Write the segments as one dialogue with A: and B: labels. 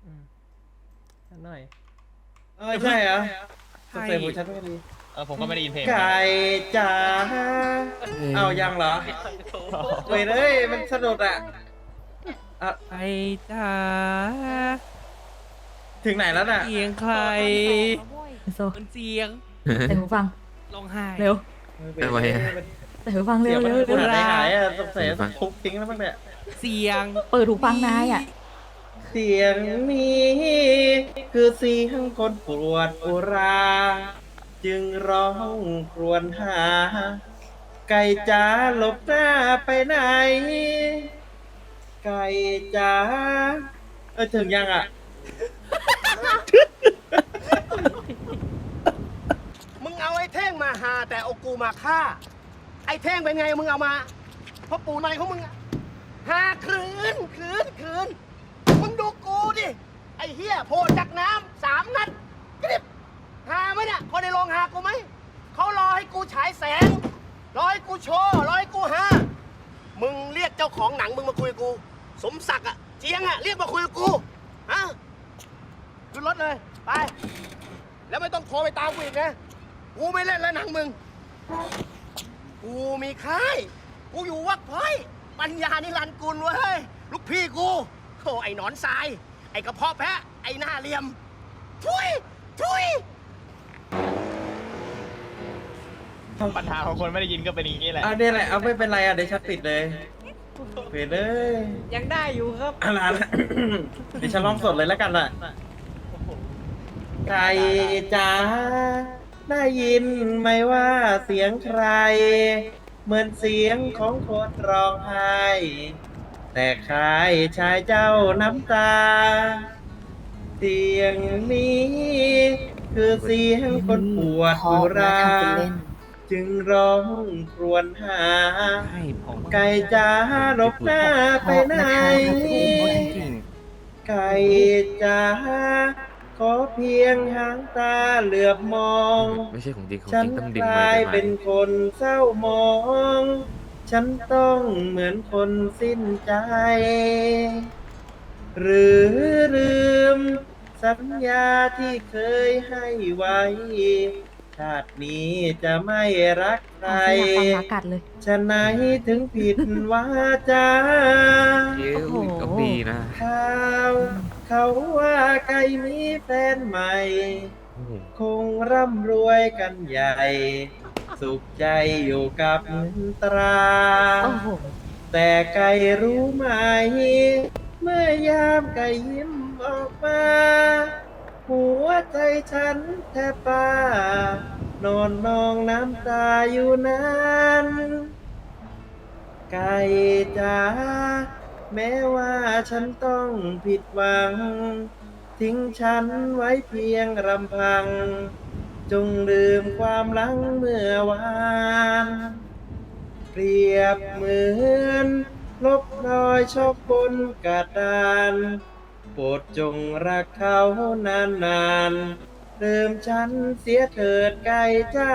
A: หน่อย
B: ใช่เหรอส
A: ใช่
B: เตปของฉันไม่ดี
C: ผมก็ไม่ได้ยินเพลง
B: ไก่จ๋าเอายังเหรอเว้ยเลยมันสนุกอ่ะ
A: ไอ้จ๋า
B: ถึงไหนแล้วน่ะ
A: เสียงใคร
D: โซ
A: มันเสียง
D: ใส่หูฟัง
A: ร้องไห้
D: เร็ว
E: ทำไมอะ
D: ใส่หูฟังเร็
B: เสียว งมัน
D: เร็วเร็ว
B: หายหายอ่ะสงสัยต้องทุบทิ้งแล้วมั้งเนี่ย
A: เสียง
D: เปิดหูฟังนายอ่ะ
B: เสียงนี้คือเสียงคนปวดอุรา จึงร้องครวญหา ไก่จ๋าหลบหน้าไปไหน ไก่จ๋าถึงยังอ่ะ
F: มึงเอาไอ้เท่งมาหาแต่เอากูมาฆ่า ไอ้เท่งเป็นไงมึงเอามาเพราะปู่ในของมึงอะหาคืนมึงดูกูดิ ไอ้เฮียโผล่จากน้ำ3 นัดกริบหาไหมเนี่ยคนในโรงหากูไหม เขารอให้กูฉายแสง รอให้กูโชว์ รอให้กูหา มึงเรียกเจ้าของหนังมึงมาคุยกับกู สมศักดิ์อะเจียงอะเรียกมาคุยกับกูฮะขึ้นรถเลย ไป แล้วไม่ต้องโทรไปตามกูอีกนะ กูไม่เล่นแล้วหนังมึง กูมีค่าย กูอยู่วัดพ้อย ปัญญานิรันดร์กุลเว้ย ลูกพี่กูโธ่ไอ้หนอนทราย ไอ้กระเพาะแพะ ไอ้หน้าเหลี่ยม ทุย
C: ปัญหาของคนไม่ได้ยินก็เป็นอย่างนี้แหละ
B: เนี่ยแหละ เอาไม่เป็นไรอ่ะ เดี๋ยวฉันปิดเลยปิดเลย
A: ยังได้อยู่ครับ
B: อะไรนะเดี๋ยวฉันร้องสดเลยแล้วกันล่ะ ไก่จ๋าได้ยินไหมว่าเสียงใคร เหมือนเสียงของคนร้องไห้ แต่ใครชายเจ้าน้ำตา เสียงนี้คือเสียงคนปวดอุรา จึงร้องครวญหา
A: ใช่ผม
B: ไก่จ๋าหลบหน้าไปไหน
A: จริง
B: ไก่จ๋าขอเพียงหางตาเหลือบมอง
E: ไม่ใช่ของจริงของ
B: ฉั
E: จ
B: น
E: ริงต้องดึ
B: ก
E: งมา
B: ลาย
E: แต่
B: เป็น
E: ไม้
B: คนเศร้ามอง ฉันต้องเหมือนคนสิ้นใจ หรือลืม สัญญาที่เคยให้ไว้ ชาตินี้จะไม่รักใคร
D: เอาสลับฟังหากัดเลย
B: ฉะไหนถึงผิดวาจา
E: เอ้ย
D: โอ้โห
E: ก็ดีนะ
B: ข่าวเขาว่าไก่มีแฟนใหม่
E: โอ้โห
B: คงร่ำรวยกันใหญ่ สุขใจอยู่กับเงินตรา
D: โอ้โห
B: แต่ไก่รู้ไหม เมื่อยามไก่ยิ้มออกมา หัวใจฉันแทบป่านอนนองน้ำตาอยู่นั้น ไก่จ๋าแม้ว่าฉันต้องผิดหวัง ทิ้งฉันไว้เพียงรำพัง จงลืมความหลังเมื่อวานเปรียบเหมือนลบรอยชอบบนกระดานโปรดจงรักเขานานๆลืมฉันเสียเถิดไก่จ้า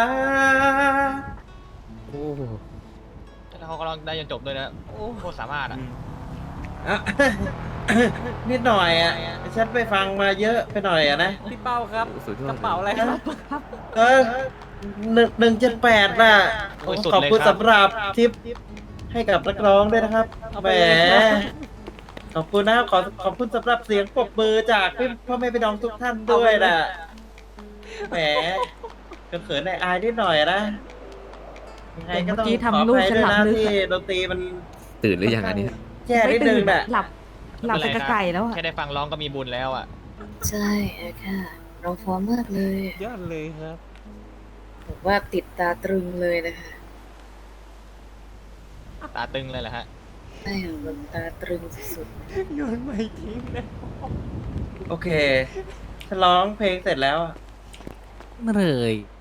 E: โอ้โห
C: แล้วเขาก็ร้องได้จนจบด้วยนะ โอ้โคตรสามารถอ่ะ
B: อ่ะ นิดหน่อยอ่ะ ฉันไปฟังมาเยอะไปหน่อยอ่ะนะ
A: พี่เป้าครับ
E: สุดยอด
A: กระเป๋าอะไรครับ
B: เออ178น่ะ
C: โอ้ยสุด
B: ขอบคุณ
C: เลยครับ
B: สำหรับทิปให้กับนักร้องด้วยนะครับ
A: เอา
B: แห
A: ไป
B: ม
A: เลยครับ
B: ขอบคุณนะครับขอบคุณสำหรับเสียงปรบมือจากพ่อแม่พี่น้องทุกท่านด้วยนะแหมก็เขินอายนิดหน่อยนะยังไงก็ต้อง
D: เมื่อกี้
B: ขอ
D: ทำ
B: อ
D: ลูก
B: ภัย
D: ฉัน
B: ด้วย
D: หลับ
B: นะ
D: ลึก
B: ที่
D: อะ
B: ดนตรีมัน
E: ตื่นหรือยังอันนี้
B: แย่นิดนึงน่ะ
D: หลับไปกับไก่แล้วอ่ะ
C: แค่ได้ฟังร้องก็มีบุญแล้วอ่ะ
G: ใช่ค่ะเราพร้อมมากเลย
A: ยอดเลยครับ
G: ผมว่าติดตาตรึงเลยนะคะ
C: ตาตึงเลยแหละฮะ
G: ใช่ค่ะมันตาตรึงสุด
A: โยนไม่ทิ้งนะ
B: โอเคฉันร้องเพลงเสร็จแล้วอะ
A: เลย